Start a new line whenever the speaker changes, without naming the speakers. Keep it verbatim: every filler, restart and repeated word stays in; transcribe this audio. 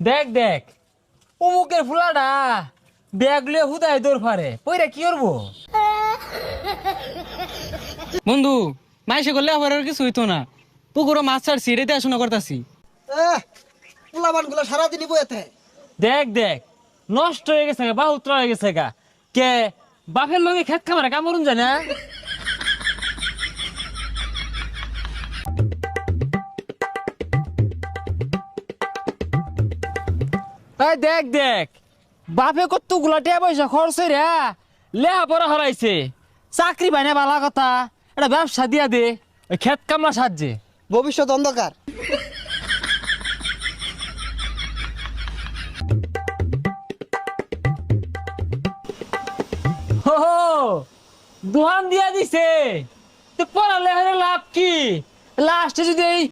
দেখ দেখ অমুকের ফুলাটা ব্যাগ লিয়ে হুদায় দৌড় ফারে পইরা কি করবো?
বন্ধু মাইসে করলে আবার আর কিছু হইতো না। পুকুরও মাছ ছাড়ছি, রেতে আসনা করতাছি।
পোলাবান গুলো সারাদিনই বইতে।
দেখ দেখ নষ্ট হয়ে গেছে গা, বাহুত্র হয়ে গেছে গা। কে বাপের লগে খেত খামারে কামড়ুন যায় না? এই দেখ দেখ বাপে কত গুলাটিয়া পয়সা খরচ রে লেহা পড়া হরাইছে, চাকরি পাই না বালা কথা, এটা ব্যবসা দিয়া দে ওই খেত কামলা সাহায্যে।
ভবিষ্যৎ অন্ধকার।
হো হো, দোহান দিয়া দিছে তো পড়ালে হলে লাভ কি? লাস্টে যদি এই